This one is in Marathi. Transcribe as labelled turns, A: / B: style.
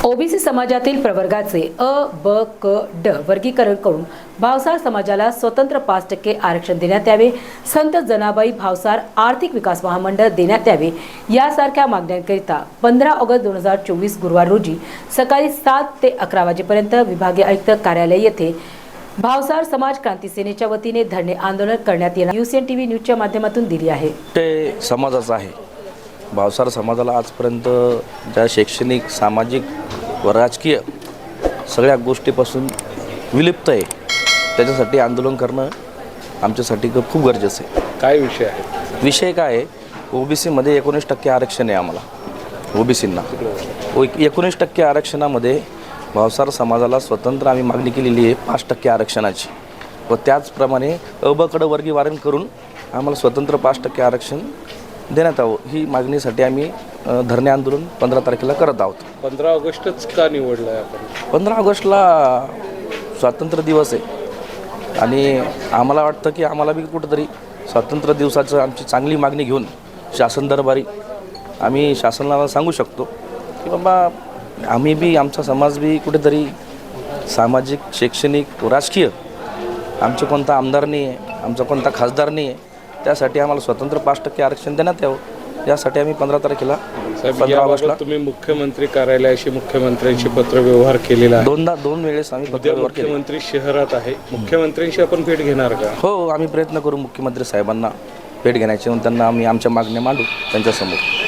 A: ओबीसी समाजातील प्रवर्गाचे अ, ब, क, ड वर्गीकरण करून भावसार समाजाला स्वतंत्र 5% आरक्षण देण्यात यावे, संत जनाबाई भावसार आर्थिक विकास महामंडळ देण्यात यावे यासारख्या मागण्यांकरिता 15 ऑगस्ट 2024 गुरुवार रोजी सकाळी 7 ते 11 वाजेपर्यंत विभागीय आयुक्त कार्यालय येथे भावसार समाज क्रांती सेनेच्या वतीने धरणे आंदोलन करण्यात येणार UCN TV न्यूजच्या माध्यमातून दिली आहे.
B: ते समाजाचा आहे. भावसार समाजाला आजपर्यंत ज्या शैक्षणिक, सामाजिक व राजकीय सगळ्या गोष्टीपासून विलिप्त आहे, त्याच्यासाठी आंदोलन करणं आमच्यासाठी खूप गरजेचं आहे.
C: काय विषय आहे?
B: विषय काय आहे? OBCमध्ये 19% आरक्षण आहे आम्हाला. OBCंना 19% आरक्षणामध्ये भावसार समाजाला स्वतंत्र आम्ही मागणी केलेली आहे 5% आरक्षणाची, व त्याचप्रमाणे अबकडं वर्गीकरण करून आम्हाला स्वतंत्र 5% आरक्षण देण्यात यावं, ही मागणीसाठी आम्ही धरणे आंदोलन 15 तारखेला करत आहोत.
C: 15 ऑगस्टच का निवडलं आहे आपण?
B: 15 ऑगस्टला स्वातंत्र्य दिवस आहे आणि आम्हाला वाटतं की आम्हाला बी कुठंतरी स्वातंत्र्य दिवसाचं आमची चांगली मागणी घेऊन शासन दरबारी आम्ही शासनाला सांगू शकतो की बाबा आम्ही बी, आमचा समाज बी कुठेतरी सामाजिक, शैक्षणिक व राजकीय आमचं कोणता आमदार नाही आहे, आमचा कोणता खासदार नाही आहे, त्यासाठी आम्हाला स्वतंत्र 5% आरक्षण देण्यात यावं, यासाठी आम्ही 15 तारखेला 15 ऑगस्टला
C: तुम्ही मुख्यमंत्री कार्यालयाशी मुख्यमंत्र्यांशी पत्रव्यवहार केलेला आहे.
B: दोन वेळेस आम्ही
C: उद्या
B: पत्रव्यवहार केले.
C: मुख्यमंत्री शहरात आहे, मुख्यमंत्र्यांशी आपण भेट घेणार का?
B: हो, आम्ही प्रयत्न करू मुख्यमंत्री साहेबांना भेट घेण्याचे, त्यांना आम्ही आमच्या मागण्या मांडू त्यांच्यासमोर.